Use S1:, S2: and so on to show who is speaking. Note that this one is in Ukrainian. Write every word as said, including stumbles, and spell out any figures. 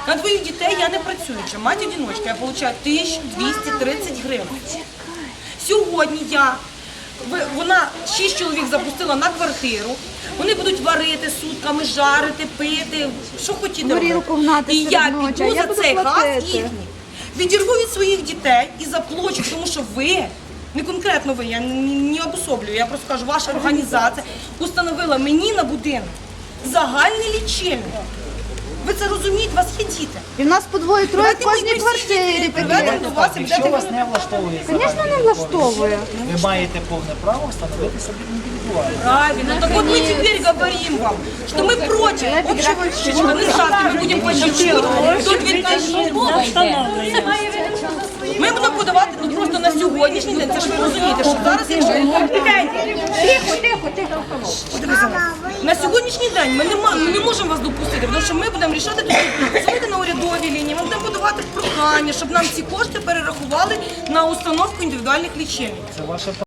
S1: На двоїх дітей я не працюю. Мать-одиночка, я отримую тисячу двісті тридцять гривень. Сьогодні я, вона шість чоловік запустила на квартиру, вони будуть варити сутками, жарити, пити, що хотіти робити. І я піду за цей газ їхній, відірву від своїх дітей і заплачу, тому що ви, не конкретно ви, я не обособлюю, я просто кажу, ваша організація установила мені на будинок загальний лічильник. Ви це розумієте, у вас є діти.
S2: І в нас по двоє-троє в кожній квартирі таке.
S3: Якщо вас не влаштовує,
S2: Звісно, не влаштовує.
S3: ви маєте повне право встановити собі індивідуально.
S1: Правильно. Так вот мы теперь говорим вам, что мы против общего лечения. Мы завтра мы будем платить до дві тисячі. Ми будемо подавати ну, просто на сьогоднішній день. Це ж ви розумієте, що зараз, якщо...
S2: Тихо, тихо, тихо.
S1: На сьогоднішній день ми не, ми не можемо вас допустити, тому що ми будемо рішати тут, дзвонити на урядові лінії, ми будемо подавати прохання, щоб нам ці кошти перерахували на установку індивідуальних лічильників.
S3: Це ваше